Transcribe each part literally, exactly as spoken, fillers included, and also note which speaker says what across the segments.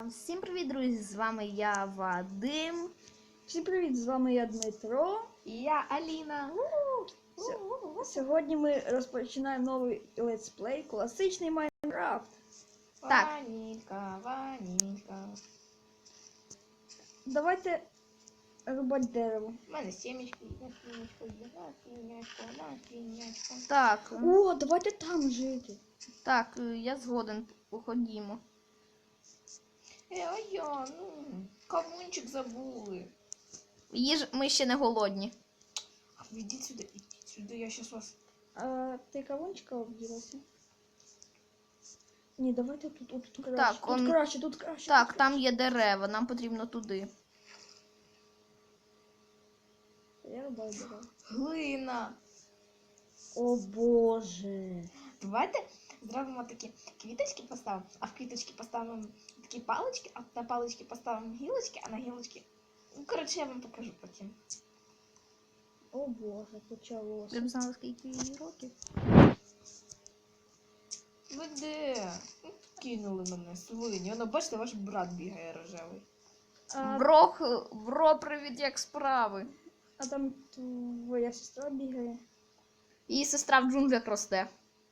Speaker 1: Всім привіт, друзі! З вами я, Вадим.
Speaker 2: Всім привіт, з вами я, Дмитро.
Speaker 1: І я, Аліна.
Speaker 2: Сьогодні ми розпочинаємо новий летсплей класичний Майнкрафт.
Speaker 1: Так.
Speaker 3: Ванілька, ванілька.
Speaker 2: Давайте рубати дерево.
Speaker 3: У мене сімечки, на сімечку, на сімечку, на сімечку.
Speaker 1: Так,
Speaker 2: О, давайте там жити.
Speaker 1: так, я згоден, походімо.
Speaker 3: Е, а я, ну, кавунчик забули.
Speaker 1: Їж, ми ще не голодні.
Speaker 3: А ви йдіть сюди, ідіть сюди, я щас вас...
Speaker 2: А ти кавунчика обділася? Ні, давайте тут, тут, тут краще.
Speaker 1: Так,
Speaker 2: тут
Speaker 1: он-
Speaker 2: краще, тут краще.
Speaker 1: Так,
Speaker 2: тут
Speaker 1: там є дерева, нам потрібно туди.
Speaker 2: краще. Я рубаю дерево.
Speaker 3: Глина.
Speaker 2: О боже.
Speaker 3: Давайте зробимо такі квіточки поставимо, а в квіточки поставимо такі палички, а на палички поставимо гілочки, а на гілочки... Ну, коротше, я вам покажу потім.
Speaker 2: О боже, почалося.
Speaker 1: Ви б знали, скільки їй років?
Speaker 3: Ви де? Ну, кинули мене, свині. Воно, бачите, ваш брат бігає рожевий.
Speaker 2: А,
Speaker 1: Бро, бро, привіт, як справи?
Speaker 2: а там твоя сестра бігає.
Speaker 1: Її сестра в джунглях росте.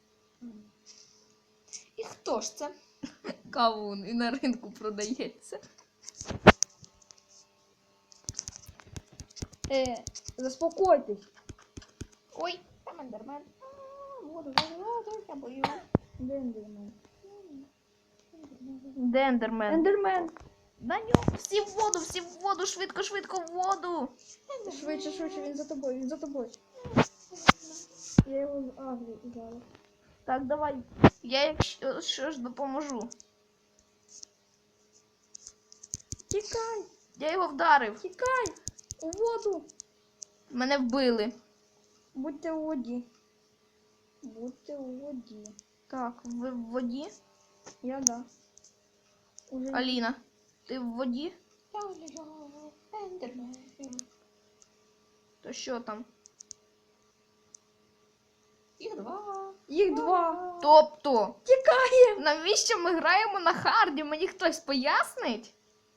Speaker 3: І хто ж це?
Speaker 1: Кавун і на ринку продається.
Speaker 2: Е, заспокойтесь.
Speaker 3: Ой, там ендермен. А, Воду, воду, воду, я боюсь.
Speaker 2: Де ендермен?
Speaker 1: Дендермен.
Speaker 2: Ендермен!
Speaker 1: На нього. Всі в воду, всі в воду, швидко, швидко в воду.
Speaker 2: Швидше, швидше, він за тобою, він за тобою. Я його з агрі зараз.
Speaker 1: Так, давай. Я якщо що ж допоможу.
Speaker 2: Тікай!
Speaker 1: Я його вдарив.
Speaker 2: Тікай! У воду!
Speaker 1: Мене вбили.
Speaker 2: Будьте у воді. Будьте у воді.
Speaker 1: Так, ви в воді?
Speaker 2: Я да. Уже...
Speaker 1: Аліна, ти в воді?
Speaker 3: Я люблю ендермен.
Speaker 1: То що там?
Speaker 3: Їх два.
Speaker 2: Їх два!
Speaker 1: Тобто,
Speaker 2: Тікає!
Speaker 1: навіщо ми граємо на харді? Мені хтось пояснить?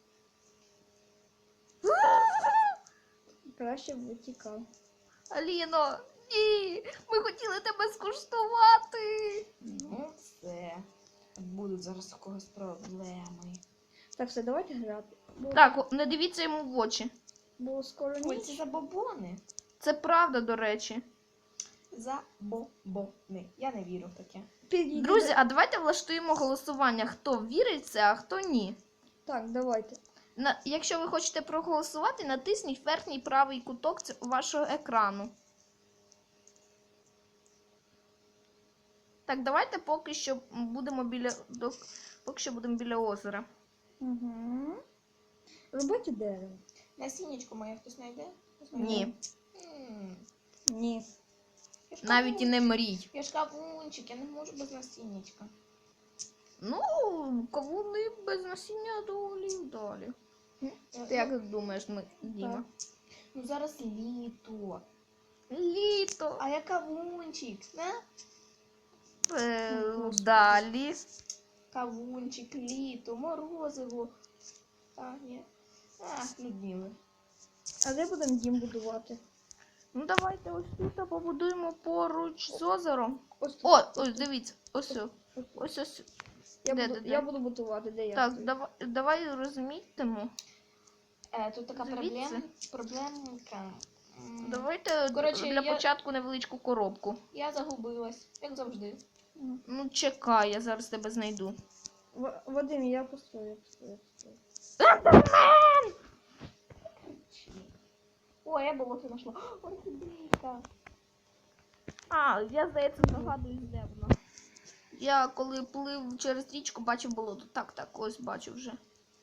Speaker 2: Краще б тікав.
Speaker 1: Аліно, ні! Ми хотіли тебе скуштувати.
Speaker 3: Ну все. Будуть зараз у когось проблеми.
Speaker 2: Так, все, давайте грати. Бо,
Speaker 1: Так, не дивіться йому в очі.
Speaker 2: бо скоро
Speaker 3: Ой, це
Speaker 2: ніч.
Speaker 3: забобони.
Speaker 1: Це правда, до речі.
Speaker 3: Забобони. Я не вірю в таке.
Speaker 2: Підійди.
Speaker 1: Друзі, а давайте влаштуємо голосування, хто вірить в це, а хто ні.
Speaker 2: Так, давайте.
Speaker 1: На, якщо ви хочете проголосувати, натисніть верхній правий куток ц- вашого екрану. Так, давайте поки що будемо біля, до, поки що будемо біля озера.
Speaker 2: Угу. Робити дерево.
Speaker 3: Насіннячко моє хтось знайде? Хтось
Speaker 1: Ні,
Speaker 3: знайде? М,
Speaker 2: Ні.
Speaker 3: я ж
Speaker 1: навіть і не
Speaker 3: кавунчик.
Speaker 1: мрій.
Speaker 3: Я ж кавунчик, я не можу без насіннячка.
Speaker 1: Ну, кавуни без насіння доволі вдалі.
Speaker 3: Е,
Speaker 1: Ти як думаєш, ми, Діма?
Speaker 3: Ну зараз літо.
Speaker 1: Літо.
Speaker 3: А я кавунчик, не?
Speaker 1: Е,
Speaker 2: О, Господи.
Speaker 1: далі.
Speaker 3: Кавунчик, літо, морозиво. А, ні. А, нудніли.
Speaker 2: А де будемо дім будувати?
Speaker 1: Ну давайте ось тут побудуємо поруч з озером.
Speaker 2: Ось тут.
Speaker 1: О, ось дивіться, ось о,
Speaker 2: Ось.
Speaker 1: ось ось.
Speaker 2: Я,
Speaker 1: де,
Speaker 2: буду,
Speaker 1: де,
Speaker 2: я
Speaker 1: де?
Speaker 2: буду будувати, де я
Speaker 1: Так,
Speaker 2: стою?
Speaker 1: давай, давай розмітимо.
Speaker 3: Е, тут така
Speaker 1: Звідси?
Speaker 3: проблем, проблемка. М,
Speaker 1: Давайте
Speaker 3: Коротше,
Speaker 1: для
Speaker 3: я-
Speaker 1: початку невеличку коробку.
Speaker 3: Я загубилась, як завжди.
Speaker 2: М.
Speaker 1: Ну чекай, я зараз тебе знайду.
Speaker 2: В- Вадим, я построю, я построю, я построю.
Speaker 3: О, я болото знайшла. Орхідейка.
Speaker 1: А, я здається здогадуюсь, де вона. Я коли плив через річку, бачив болото. Так, так, ось бачу вже.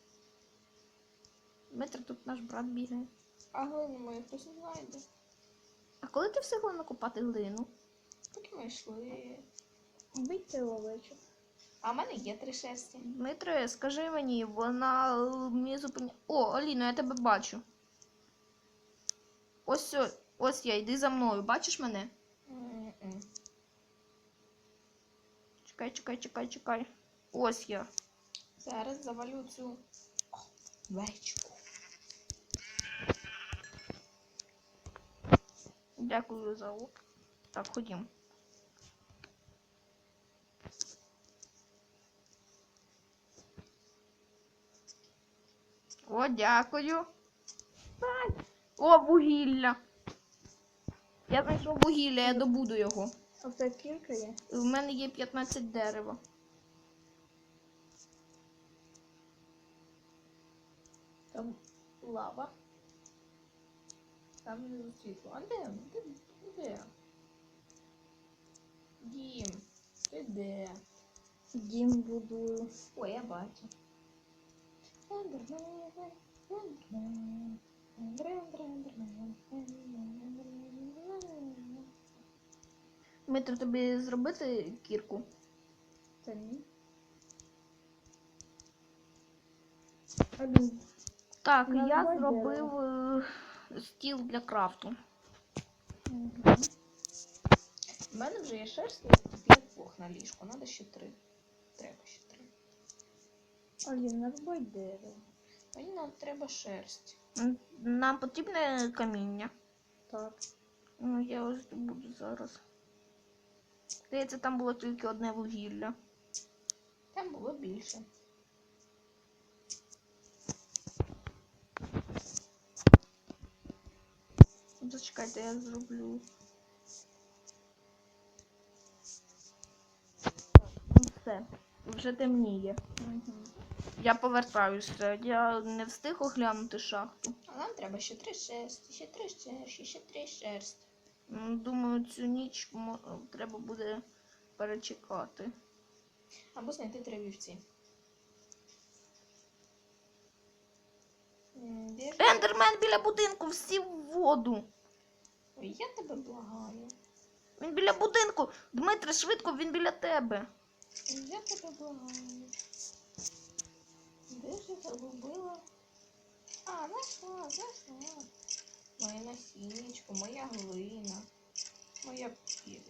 Speaker 1: Дмитро, тут наш брат бігає.
Speaker 3: А глину мою хтось не знайде.
Speaker 1: А коли ти встигла накопати глину?
Speaker 3: Поки ми йшли.
Speaker 2: Бийте овечок.
Speaker 3: А в мене є три шерсті.
Speaker 1: Дмитре, скажи мені, вона е, мені зупиняє. О, Аліно, я тебе бачу. Ось, о- ось я, йди за мною. Бачиш мене?
Speaker 3: М-м.
Speaker 1: Чекай, чекай, чекай, чекай. Ось я.
Speaker 3: Зараз завалю цю вечку.
Speaker 1: Дякую за урок. Так, ходім. О, дякую. Ай. О, вугілля. Я знайшов вугілля, я добуду його.
Speaker 2: А в тебе кілька є?
Speaker 1: В мене є п'ятнадцять дерева.
Speaker 3: Там лава. Там внизу світло. А де? Де? Де? Дім. Ти де?
Speaker 2: Дім будую.
Speaker 3: Ой, я бачу. Ендермен, ендермен, ендермен, ендермен, ендермен.
Speaker 1: Дмитро, тобі зробити кірку?
Speaker 2: Та ні. Один.
Speaker 1: Так,
Speaker 2: Ну,
Speaker 1: я
Speaker 2: давай
Speaker 1: зробив е, стіл для крафту.
Speaker 2: Угу.
Speaker 3: У мене вже є шерсть для двох на ліжку. Надо ще три. Треба ще три.
Speaker 2: Алін, нарубай дерево.
Speaker 3: Мені нам треба шерсть.
Speaker 1: М, Нам потрібне каміння.
Speaker 2: Так.
Speaker 1: Ну, я ось буду зараз. Здається, там було тільки одне вугілля.
Speaker 3: Там було більше.
Speaker 1: Зачекайте, я зроблю. Ну, все, вже темніє.
Speaker 2: Угу.
Speaker 1: Я повертаюся. Я не встиг оглянути шахту.
Speaker 3: А нам треба ще три шерсті, ще три шерсті, ще три шерсті.
Speaker 1: М, Думаю, цю ніч мо- треба буде перечекати.
Speaker 3: Або знайти три вівці. М, Де ж...
Speaker 1: Ендермен біля будинку, всі в воду.
Speaker 3: Ой, я тебе благаю.
Speaker 1: Він біля будинку. Дмитре, швидко, він біля тебе.
Speaker 3: Ой, я тебе благаю. Де ж я загубила? А, знайшла, знайшла. Моє насіннячко, моя глина, моя пі-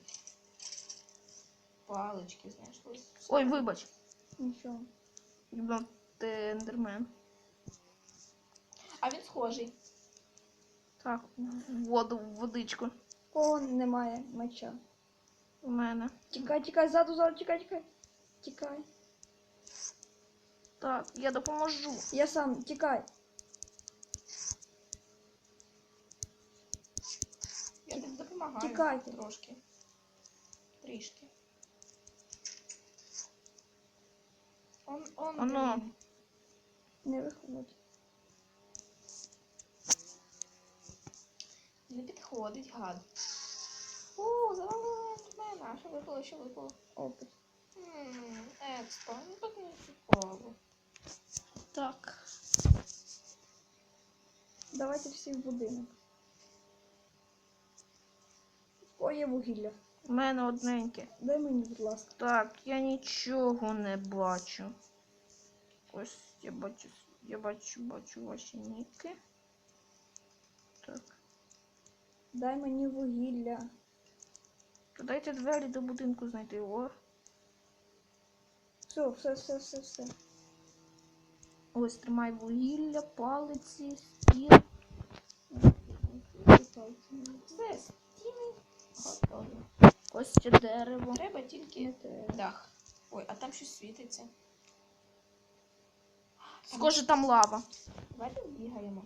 Speaker 3: палички знайшлись.
Speaker 1: Ой, вибач.
Speaker 2: Нічого.
Speaker 1: Думав, ти ендермен.
Speaker 3: А він схожий.
Speaker 1: Так, в воду, в водичку.
Speaker 2: О, немає меча.
Speaker 1: У мене.
Speaker 2: Тікай, тікай, ззаду, ззаду, тікай, тікай. Тікай.
Speaker 1: Так, я допоможу.
Speaker 2: Я сам, тікай.
Speaker 3: Я тобі допомагаю.
Speaker 2: Тікайте.
Speaker 3: Трошки. Трішки. Он, он,
Speaker 1: Оно.
Speaker 3: блін.
Speaker 2: Не виходь.
Speaker 3: Не підходить, гад. О, завалила ендермена. Що випало, що випало?
Speaker 2: Опит.
Speaker 3: Ммм, експо. Ну так не цікаво.
Speaker 1: Так.
Speaker 2: Давайте всі в будинок. О, є вугілля.
Speaker 1: У мене одненьке.
Speaker 2: Дай мені, будь ласка.
Speaker 1: Так, я нічого не бачу. Ось я бачу, я бачу, бачу ваші ніки. Так.
Speaker 2: Дай мені вугілля.
Speaker 1: То дайте двері до будинку знайти. О.
Speaker 2: Все, все, все, все, все.
Speaker 1: Ось тримай вугілля, палиці, стіл.
Speaker 3: Все, стіни готові.
Speaker 1: Ось ще дерево.
Speaker 3: Треба тільки
Speaker 2: Не треба.
Speaker 3: дах. Ой, а там щось світиться.
Speaker 1: Схоже, там лава.
Speaker 3: Давайте бігаємо.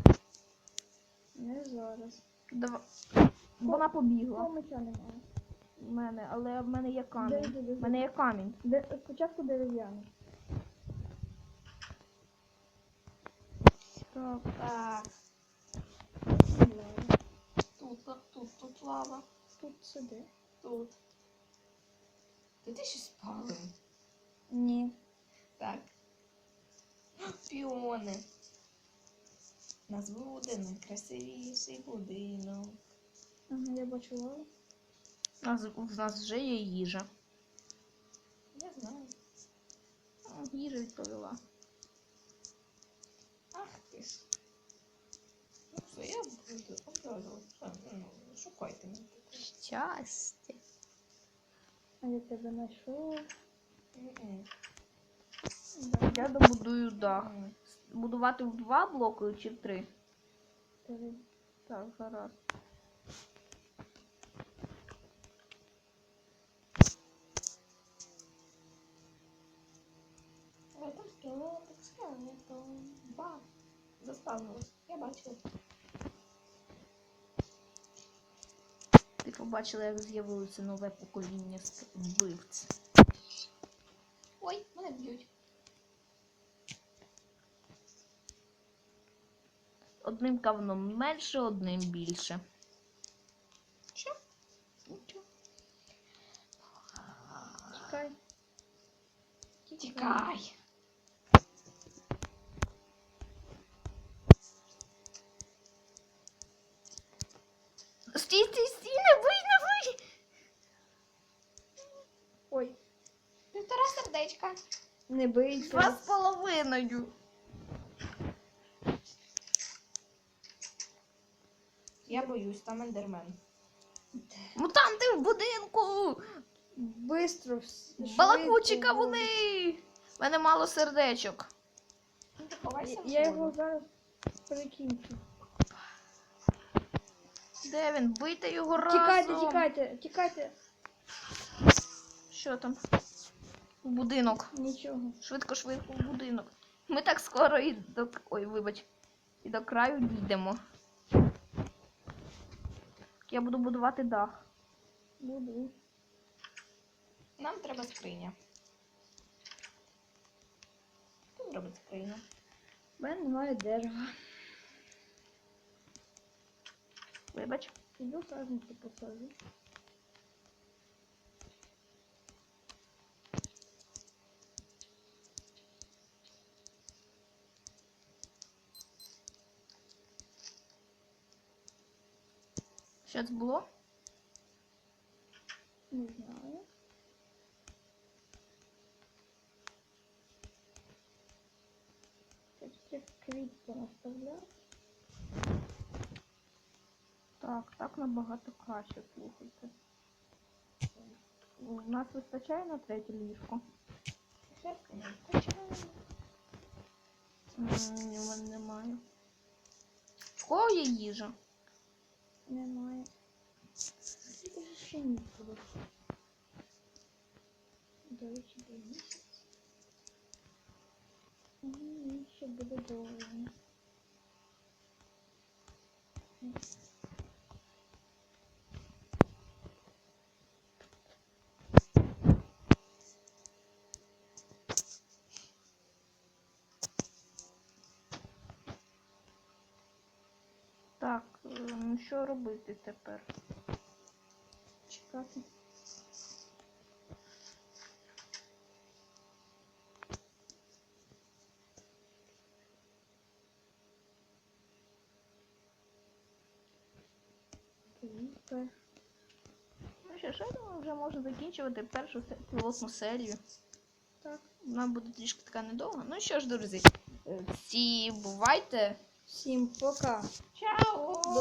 Speaker 2: Не зараз.
Speaker 1: Дава... Вона
Speaker 2: О,
Speaker 1: побігла.
Speaker 2: меча немає.
Speaker 1: У мене, але в мене є
Speaker 2: Де,
Speaker 1: камінь.
Speaker 2: де, де,
Speaker 1: У мене є камінь.
Speaker 2: де? Спочатку дерев'яний.
Speaker 1: Так.
Speaker 3: Так,
Speaker 2: Лава.
Speaker 3: тут, лав- тут, тут лава.
Speaker 2: Тут сиди.
Speaker 3: Тут. Ти ти щось спалив?
Speaker 2: Ні.
Speaker 3: Так. Піони. У нас буде найкрасивіший будинок.
Speaker 2: Ага, я бачу лаву.
Speaker 1: У нас, у нас вже є їжа.
Speaker 3: Я знаю.
Speaker 1: О, їжа відповіла.
Speaker 3: Ах ти ж. Ну все, я буду образила. Ну, шукайте мене.
Speaker 1: Щастя.
Speaker 2: А я тебе знайшов.
Speaker 3: М-м.
Speaker 2: Да.
Speaker 1: Я добудую дах.
Speaker 3: М.
Speaker 1: Будувати в два блоки чи в три?
Speaker 2: Три.
Speaker 1: Так, гаразд.
Speaker 3: Ой, там скелетик, скелетом. Ба. Заспавнилось. Я бачила.
Speaker 1: Ти побачила, як з'явилося нове покоління ск- вбивць.
Speaker 3: Ой, мене б'ють.
Speaker 1: Одним кавном менше, одним більше.
Speaker 3: Що? Нічого.
Speaker 2: Тікай.
Speaker 3: Тікай.
Speaker 1: Стій, стій, стій, не бий, не бий!
Speaker 2: Ой,
Speaker 3: Півтора сердечка.
Speaker 2: не бийся.
Speaker 1: Два з половиною.
Speaker 3: Я боюсь, там ендермен.
Speaker 1: Мутанти в будинку!
Speaker 2: Бистро. вс-
Speaker 1: Балакучі
Speaker 2: швидко.
Speaker 1: кавуни! В мене мало сердечок.
Speaker 3: Ну, ти ховайся в
Speaker 2: Я
Speaker 3: воду.
Speaker 2: його зараз перекінчу.
Speaker 1: Де він? Бийте його разом!
Speaker 2: Тікайте, тікайте, тікайте.
Speaker 1: Що там? В будинок.
Speaker 2: Нічого.
Speaker 1: Швидко, швидко в будинок. Ми так скоро і до. Ой, вибач. І до краю дійдемо. Я буду будувати дах.
Speaker 2: Буду.
Speaker 3: Нам треба скриня. Хто зробить скриню?
Speaker 2: У мене немає дерева.
Speaker 1: Вибач.
Speaker 2: Іду саженці посажу.
Speaker 1: Що це було?
Speaker 2: Не знаю. Щось цих квіт понаставляв.
Speaker 1: Так, так набагато краще, слухайте. У нас вистачає на третє ліжко?
Speaker 3: Шерстка не вистачає.
Speaker 1: М, Ні, в мене немає. В кого є їжа?
Speaker 2: Немає. Це ще ніколи. До речі, до місяць. Мені ще буде довго.
Speaker 1: Так, е, ну що робити тепер?
Speaker 2: Чекати. Тепер.
Speaker 1: Ну що ж, я думаю, вже можна закінчувати першу се- пілотну серію.
Speaker 2: Так.
Speaker 1: Вона буде трішки така недовга. Ну що ж, друзі, е, всі бувайте.
Speaker 2: Всім пока.
Speaker 3: Чао!